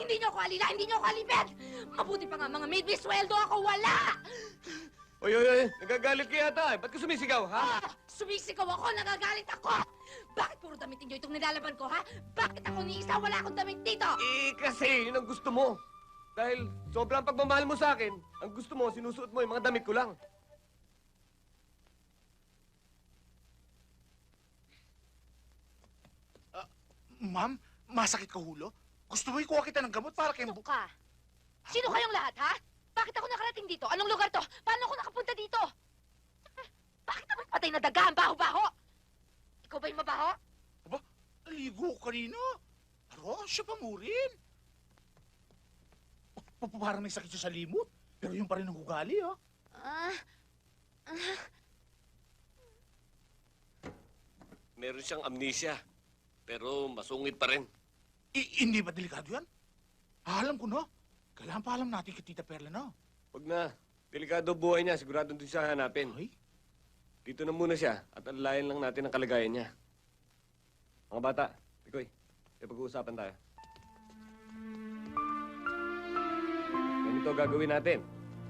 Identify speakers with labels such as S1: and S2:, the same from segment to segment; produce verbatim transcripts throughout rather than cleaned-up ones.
S1: Hindi niyo ako alila, hindi niyo ako alipin! Mabuti pa nga mga maid, may sweldo ako, wala!
S2: Oy, oy, oy, nagagalit ka yata eh. Ba't ka sumisigaw, ha?
S1: Ah, sumisigaw ako, nagagalit ako! Bakit puro damit ninyo itong nilalaban ko, ha? Bakit ako ni isa, wala akong damit dito?
S2: Eh, kasi yun ang gusto mo. Dahil sobrang pagmamahal mo sa akin, ang gusto mo, sinusuot mo yung mga damit ko lang.
S3: Ma'am, masakit ka hulo? Gusto mo ikuha kita ng gamot para kayong...
S1: Sino ka? Sino kayong lahat, ha? Bakit ako nakarating dito? Anong lugar to? Paano ako nakapunta dito? Bakit naman patay na daga ang baho-baho? Ikaw ba yung mabaho?
S3: Aba, ligo ko kanina. Aro, siya pa mo rin. Pa- pa- Parang may sakit siya sa limot. Pero yun pa rin ang ugali, ha?
S1: Ah, ah,
S2: Meron siyang amnesia, pero masungit pa rin.
S3: I- hindi ba delikado yan? Ah, alam ko na. Kailangan pa alam natin kay Tita Perla na.
S2: Huwag na. Delikado buhay niya, sigurado doon siya hanapin.
S3: Ay,
S2: Dito na muna siya at alalayan lang natin ang kalagayan niya. Mga bata, Pikoy, may pag-uusapan tayo. Ganito gagawin natin.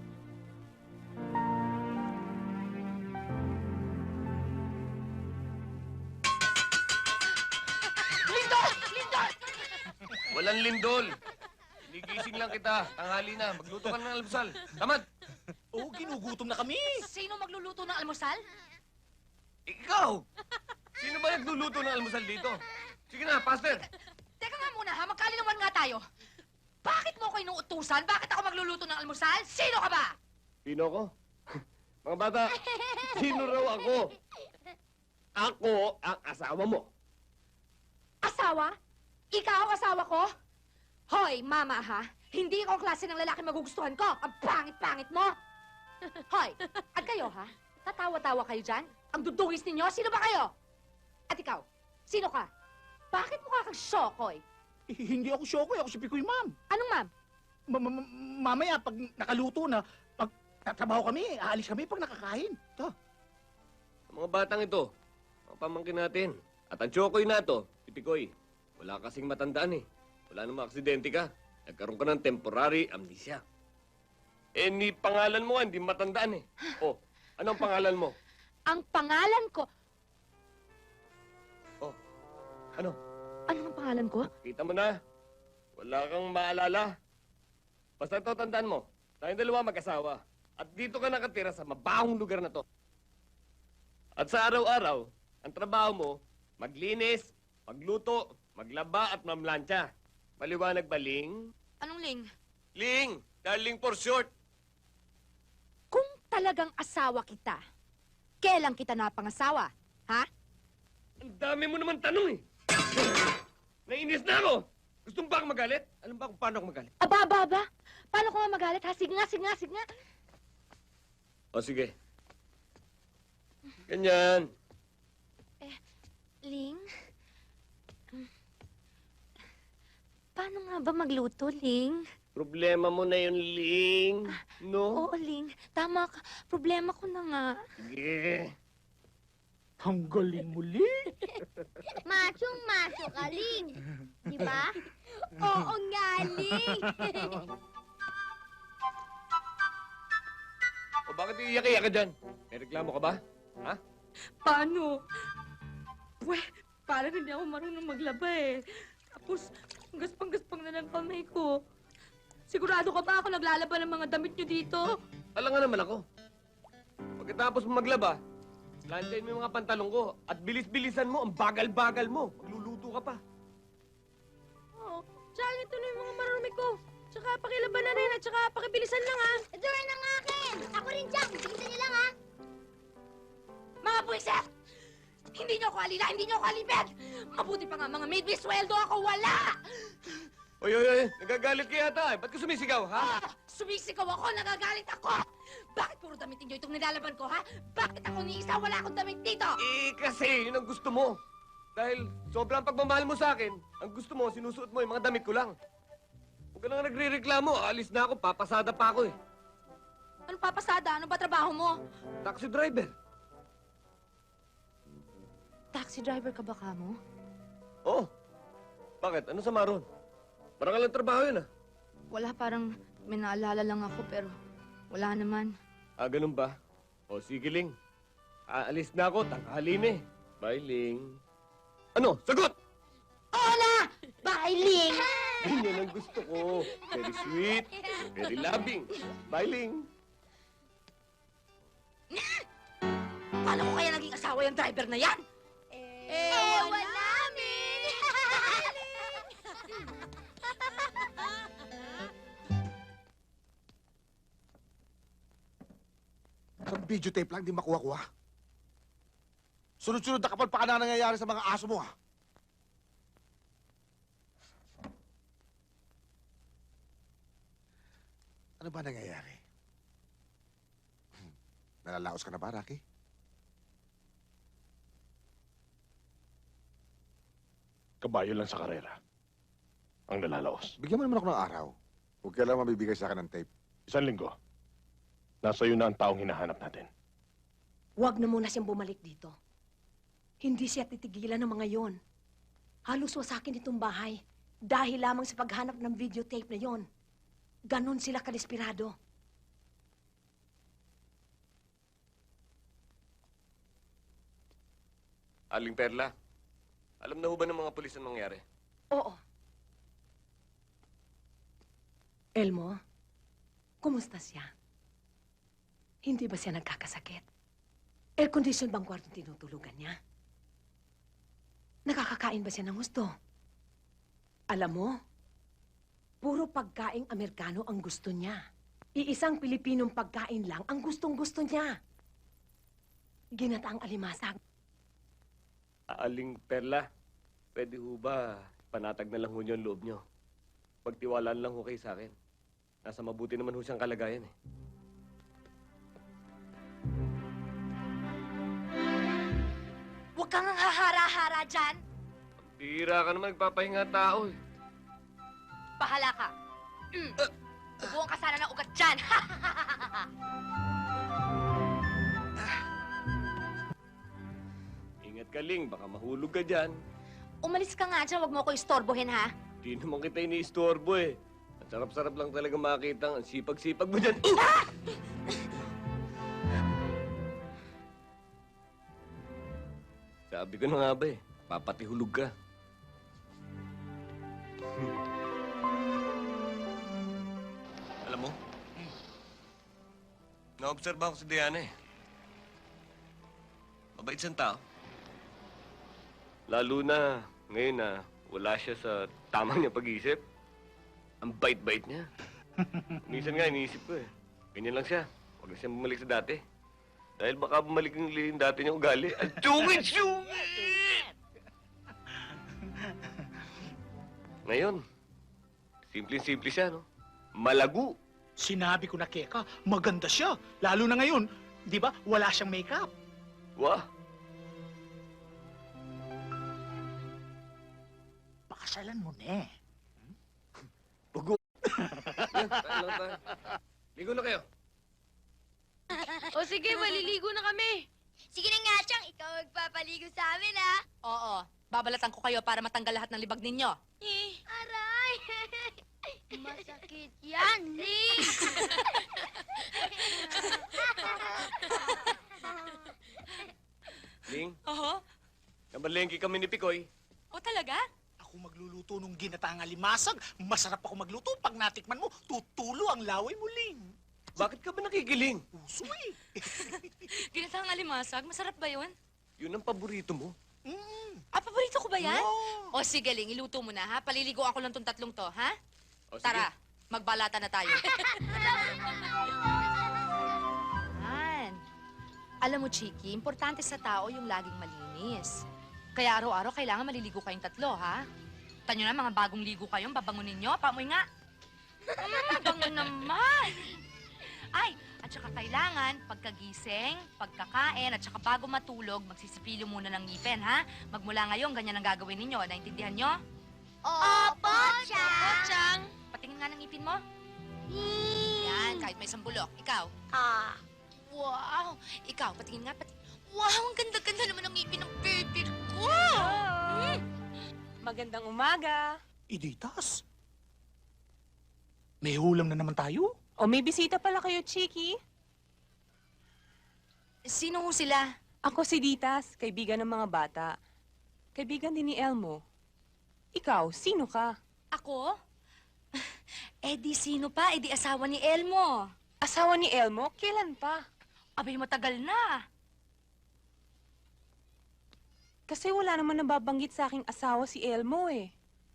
S1: Lindol! Lindol!
S2: Walang lindol! Nigising lang kita. Tanghali na. Magluto ka na ng almusal. Tamad!
S3: oo, ginugutom na kami.
S1: Sino magluluto ng almusal?
S2: Ikaw! Sino ba nagluluto ng almusal dito? Sige na, Pastor!
S1: Teka nga muna, ha? Magkalinawan nga tayo. Bakit mo ako inuutusan? Bakit ako magluluto ng almusal? Sino ka ba?
S2: Sino ko? Mga bata, sino raw ako? Ako ang asawa mo.
S1: Asawa? Ikaw ang asawa ko? Hoy, mama ha? Hindi ikaw ang klase ng lalaki magugustuhan ko. Ang pangit-pangit mo. Hoy, at kayo ha? Tatawa-tawa kayo dyan? Ang dudungis ninyo? Sino ba kayo? At ikaw, sino ka? Bakit mukha kang Shokoy?
S3: Eh, hindi ako Shokoy, ako si Pikoy, ma'am.
S1: Anong ma'am?
S3: Ma- ma- ma- mamaya, pag nakaluto na, pag tatrabaho kami, aalis kami pag nakakain. Ito.
S2: Ang mga batang ito, mga pamangkin natin. At ang chokoy na to, si Pikoy, wala kasing matandaan eh. Wala namang aksidente ka. Nagkaroon ka ng temporary amnesia. Eh, ni pangalan mo, hindi matandaan eh. Oh, anong pangalan mo?
S1: Ang pangalan ko...
S2: Oh, ano?
S1: Ano ang pangalan ko?
S2: Kita mo na. Wala kang maalala. Basta ito, tandaan mo. Tayong dalawa mag-asawa. At dito ka nakatira sa mabahong lugar na to. At sa araw-araw, ang trabaho mo, maglinis, magluto, maglaba at mamlansya. Maliwanag ba, Ling?
S1: Anong ling?
S2: Ling! Darling for short.
S1: Kung talagang asawa kita, kailan kita napangasawa? Ha?
S2: Ang dami mo naman tanong eh. Nainis na ako. Gusto mo ba akong magalit? Alam ba kung paano ako magalit?
S1: Aba, aba, aba. Paano ko nga magalit, ha? Sige nga, sige nga, sige nga.
S2: O sige. Ganyan.
S1: Ling? Paano nga ba magluto, Ling?
S2: Problema mo na yun, Ling. No?
S1: Oo, Ling. Tama ka. Problema ko na nga.
S2: Sige.
S3: Ang galing muli.
S4: Machong-macho ka, Ling. Di ba? Oo nga, Ling.
S2: O bakit iiyak-iyak ka dyan? May reklamo ka ba? Ha?
S5: Paano? Pwe, parang hindi ako marunong maglaba eh. Tapos, gaspang-gaspang na lang kamay ko. Sigurado ka ba ako naglalaba ng mga damit nyo dito?
S2: Alam nga naman ako. Pagkatapos mo maglaba, lantayin mo yung mga pantalong ko at bilis-bilisan mo, ang bagal-bagal mo. Magluluto ka pa.
S5: Oo. Tsaka ito na yung mga marumi ko. Tsaka pakilaban na rin at tsaka pakibilisan lang ha.
S4: Ito rin ang akin. Ako rin, Jack. Bilisan niyo lang, ha?
S1: Mga buwisit! Hindi niyo ako alila, hindi niyo ako alipin! Mabuti pa nga mga maid, may sweldo ako, wala!
S2: Oy, oy, oy, nagagalit ka yata eh. Ba't ka sumisigaw, ha?
S1: Ah, sumisigaw ako, nagagalit ako! Bakit puro damit ninyo itong nilalaban ko, ha? Bakit ako ni isa, wala akong damit dito?
S2: Eh, kasi yun ang gusto mo. Dahil sobrang pagmamahal mo sa akin, ang gusto mo, sinusuot mo yung mga damit ko lang. Huwag ka nang nagre-reklamo, alis na ako, papasada pa ako eh.
S1: Anong papasada? Ano ba trabaho mo?
S2: Taxi driver.
S1: Taxi driver ka ba, Kamo?
S2: Oh, bakit? Ano sa maron? Parang ka lang trabaho yun, ah.
S5: Wala, parang may naalala lang ako pero wala naman.
S2: Ah, ganun ba? O, sige, Ling. Aalis na ako, tanghali na eh. Bye, Ling. Ano? Sagot!
S1: Oo na! Bye, Ling!
S2: Ganyan ang gusto ko. Very sweet, very loving. Bye, Ling.
S1: Paano ko kaya naging asawa yung driver na yan?
S4: Ewan namin!
S6: Ang videotape lang, di makuha-kuha. Sunod-sunod na kapal pa ka na nangyayari sa mga aso mo, ha? Ano ba nangyayari? Hmm. Nalalaos ka na ba, Rocky?
S7: Kabayo lang sa karera. Ang nalalaos.
S6: Bigyan mo naman ako ng araw. Huwag ka lang mabibigay sa akin ng tape.
S7: Isang linggo. Nasa iyo na ang taong hinahanap natin.
S8: Huwag na muna siyang bumalik dito. Hindi siya titigilan ng mga yon. Halos wasakin itong bahay dahil lamang sa paghanap ng videotape na yon. Ganon sila kadesperado.
S2: Aling Perla, alam na ho ba ng mga pulis ang nangyari?
S8: Oo. Elmo, kumusta siya? Hindi ba siya nagkakasakit? Air condition bang kwartong tinutulugan niya? Nakakakain ba siya ng gusto? Alam mo, puro pagkaing Amerikano ang gusto niya. Iisang Pilipinong pagkain lang ang gustong-gusto niya. Ginataang alimasag.
S2: Aling Perla, pwede ho ba panatag na lang ho niyo ang loob niyo? Pagtiwalaan lang ho kayo sa akin. Nasa mabuti naman ho siyang kalagayan eh.
S1: Huwag kang hahara-hara dyan.
S2: Bira ka naman nagpapahinga tao eh.
S1: Bahala ka. Mm. Ubuhan ka sana ng ugat dyan.
S2: Ingat ka, Ling. Baka mahulog ka dyan.
S1: Umalis ka nga dyan. Huwag mo ko istorbohin, ha?
S2: Di naman kita iniistorbo eh. Ang sarap-sarap lang talaga makita ang sipag-sipag mo dyan. Sabi ko na nga ba eh, papatihulog ka. Alam mo, naobserba ko si Diana eh. Mabait siyang tao. Lalo na ngayon na wala siya sa tamang niya pag-iisip. Ang bait-bait niya. Minsan nga iniisip ko eh, ganyan lang siya. Huwag na siyang bumalik sa dati. Dahil baka bumalik yung yung dati niyang ugali. Ang sungit-sungit! Ngayon, simple-simple siya, no? Malago.
S3: Sinabi ko na, Keka, maganda siya. Lalo na ngayon, di ba, wala siyang makeup.
S2: Wah!
S3: Pakasalan mo na eh.
S2: Bugo! Yan, tayo lang tayo. Ligo na kayo.
S5: O sige, maliligo na kami.
S4: Sige na nga, Chang. Ikaw magpapaligo sa amin, ha?
S1: Oo. Babalatan ko kayo para matanggal lahat ng libag ninyo.
S4: Eh. Aray! Masakit yan, Ling!
S2: Ling,
S5: Oo?
S2: nabalengke kami ni Pikoy.
S5: O talaga?
S3: Ako magluluto nung ginataang alimasag. Masarap ako magluto. Pag natikman mo, tutulo ang laway mo, Ling.
S2: Bakit ka ba nakikiling?
S3: Puso eh.
S5: Ginatang alimasag, masarap ba yun?
S2: Yun ang paborito mo.
S3: Mm.
S5: Ah, paborito ko ba yan?
S3: No.
S1: O sige, Ling, iluto mo na, ha? Paliliguan ko lang tong tatlong to, ha?
S2: O, sige.
S1: Tara, magbalata na tayo. Yan. Alam mo, Chiki, importante sa tao yung laging malinis. Kaya araw-araw kailangan maliligo kayong tatlo, ha? Tanyo na, mga bagong ligo kayong, babangunin nyo. Pamoy nga. Mm, bango naman. Ay, at saka kailangan, pagkagising, pagkakain, at saka bago matulog, magsisipilyo muna ng ngipin, ha? Magmula ngayon, ganyan ang gagawin ninyo. Naintindihan nyo?
S4: Opo, Chang!
S5: Chang!
S1: Patingin nga ng ngipin mo. Yan, kahit may isang bulok. Ikaw.
S4: Ah.
S1: Wow! Ikaw, patingin nga, pati... Wow, ang ganda-ganda naman ng ngipin ng baby ko!
S5: Magandang umaga.
S3: Iditas. May hulam na naman tayo.
S9: O may bisita pala kayo, Chiki.
S1: Sino ho sila?
S9: Ako si Ditas, kaibigan ng mga bata. Kaibigan din ni Elmo. Ikaw, sino ka?
S1: Ako? Eh di sino pa? Eh di asawa ni Elmo.
S9: Asawa ni Elmo? Kailan pa?
S1: Abay, matagal na.
S9: Kasi wala naman nababanggit sa aking asawa si Elmo eh.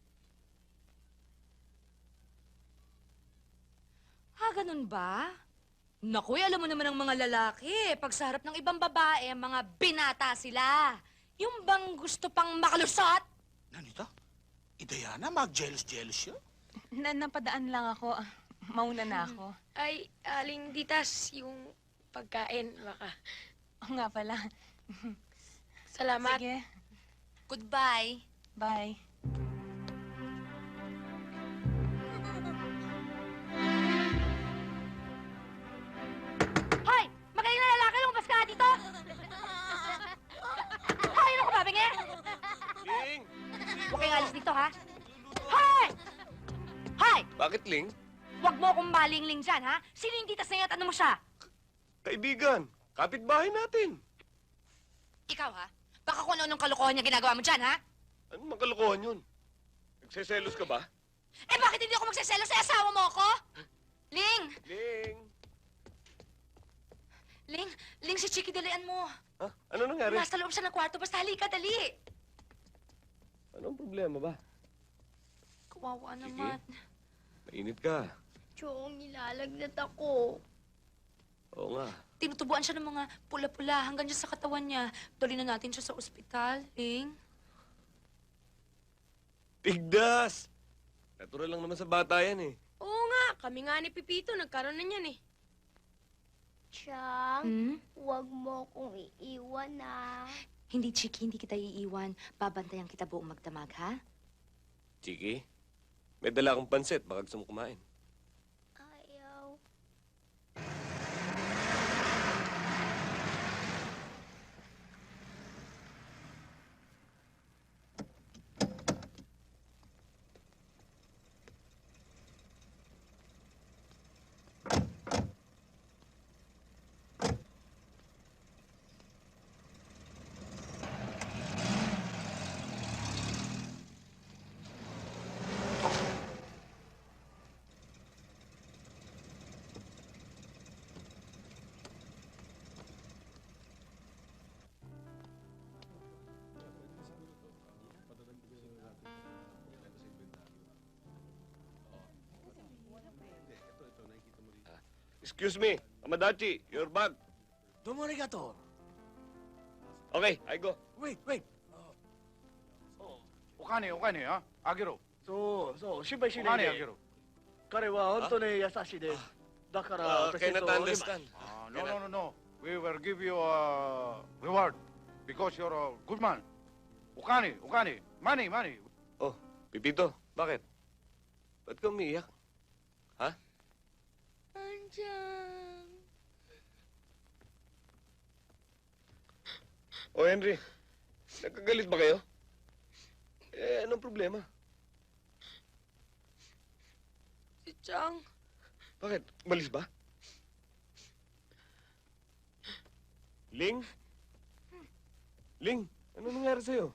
S1: Ha, ganun ba? Naku, eh, alam mo naman ang mga lalaki. Pag sa harap ng ibang babae, mga binata sila. Yung bang gusto pang makalusot?
S3: Nanita? Eh, Diana, mag-jealous-jealous siya.
S9: Na napadaan lang ako. Ah, Mauna na ako.
S4: Ay, aling ditas yung pagkain, baka.
S9: Oo nga pala.
S4: Salamat.
S9: Sige,
S1: Goodbye.
S9: bye.
S1: Hoy! Magaling na lalaki, lumabas ka nga dito! Hoy, ano ka ba, bingi?
S2: Ling!
S1: Huwag kayong alis dito, ha? Hoy! Hoy!
S2: Bakit, Ling?
S1: Huwag mo akong malingling dyan, ha? Sino yung titas na yun at ano mo siya?
S2: Kaibigan, kapitbahay natin.
S1: Ikaw, ha? Baka kung ano-anong kalokohan niya ginagawa mo dyan, ha?
S2: Ano magkalokohan yun? Nagseselos ka ba?
S1: Eh, bakit hindi ako magsaselo sa asawa mo ako? Ling!
S2: Ling!
S1: Ling! Ling, si Chiki, dalian mo.
S2: Ha? Ano nangyari?
S1: Nasa loob siya ng kwarto. Basta halika, dali.
S2: Anong problema ba?
S1: Kawawa
S2: Sige.
S1: naman.
S2: Mainit ka.
S4: Chong, nilalagnat ako.
S2: Oo nga.
S1: Tinutubuan siya ng mga pula-pula hanggang dyan sa katawan niya. Tuloy na natin siya sa ospital, Ling.
S2: Tigdas! Natural lang naman sa bata yan eh.
S4: Oo nga, kami nga ni Pipito, nagkaroon na niyan eh. Chang,
S1: Hmm?
S4: huwag mo kong iiwan na.
S1: Hindi, Chiki, hindi kita iiwan. Babantayan kita buong magdamag, ha?
S2: Chiki, may dala akong pansit. Baka gusto mo kumain.
S4: Ayaw.
S2: Excuse me, Amadachi, your bag.
S3: Domo arigato.
S2: Okay, I go.
S3: Wait, wait.
S10: お金お金ああげろ
S11: そうそう心配し
S10: お
S11: ないで
S10: 金あげろ
S11: 彼は本当に優しいですだから
S2: Uh,
S11: 私
S2: cannot
S11: と
S2: understand.
S10: あ no no no no we will give you a reward because you're a good man お金お金 money money
S2: Oh, Pipito, bakit? Ba't ka umiiyak? Ha?
S4: Andiyan.
S2: O, Henry, nagkagalit ba kayo? Eh, anong problema?
S4: Si Chang,
S2: Bakit? Umalis ba? Ling? Ling, ano nangyari sa'yo?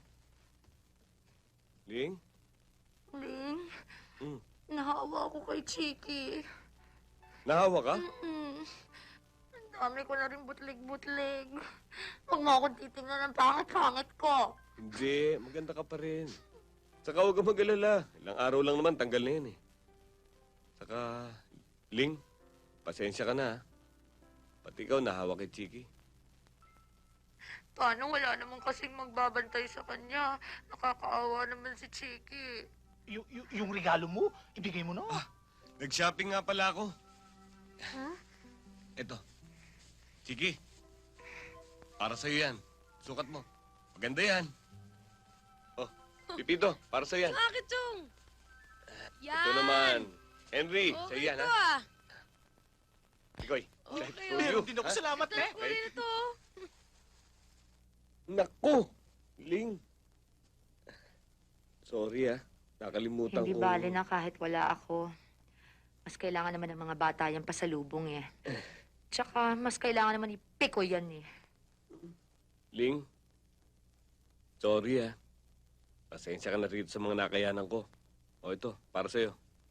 S2: Ling?
S1: Ling,
S2: Hmm.
S1: nahawa ako kay Chiki.
S2: Nahawa ka?
S1: Mm. Ang dami ko na rin butlig-butlig. Huwag mo akong titingnan ng pangit-pangit ko.
S2: Hindi, maganda ka pa rin. Saka huwag kang mag-alala. Ilang araw lang naman, tanggal na yan eh. Saka, Ling, pasensya ka na ha. Pati ikaw nahawa kay Chiki.
S1: Paano wala naman kasing magbabantay sa kanya? Nakakaawa naman si Chiki.
S3: Y- y- yung regalo mo, ibigay mo na.
S2: Nag-shopping nga pala ako.
S1: Ha?
S2: Eto. Chiki. Para sa'yo yan. Sukat mo. Maganda yan. Oh, Pipito, para sa'yo yan.
S4: bakit Chong? Yan.
S2: Ito naman. Henry,
S4: Okay
S2: sa'yo yan
S4: to,
S2: ha.
S4: ah.
S2: Ikoy.
S4: Okay,
S2: to you.
S3: Meron din ako
S2: ha?
S3: salamat, eh.
S4: Ito rin ito.
S2: Naku! Ling. Sorry ah. Nakalimutan
S1: Hindi
S2: ko.
S1: bale na kahit wala ako. Mas kailangan naman ng mga bata yung pasalubong eh. Tsaka, mas kailangan naman ipiko yan eh.
S2: Ling, sorry ah. Pasensya ka na rito sa mga nakayanan ko. O ito, para sa'yo.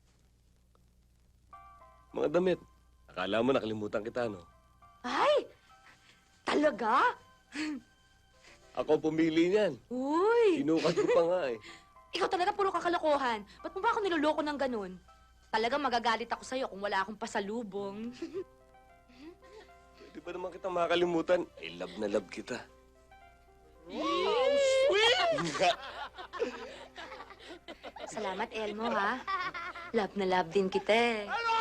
S2: Mga damit. Akala mo nakalimutan kita, no?
S1: Ay! Talaga?
S2: Ako pumili niyan.
S1: Uy!
S2: Sinukat ko pa nga eh.
S1: Ikaw talaga puro kakalokohan. Ba't mo ba ako niloloko ng ganun? Talagang magagalit ako sa'yo kung wala akong pasalubong.
S2: Pwede ba naman kita makakalimutan? I love na love kita.
S1: Wow, sweet! Salamat, Elmo, ha? Love na love din kita eh.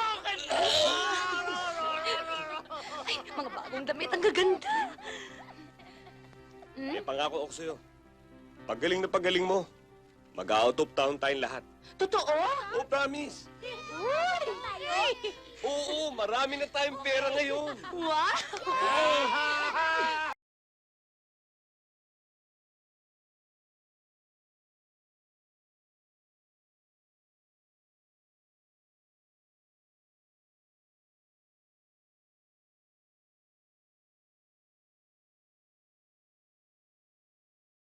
S1: Ay, mga bagong damit, ang gaganda.
S2: Eh, pangako ako sa'yo. Pagaling na pagaling mo, mag-out of town tayong lahat.
S1: Totoo?
S2: Oh, promise!
S1: Uy!
S2: Oo, marami na tayong pera ngayon.
S1: Wow!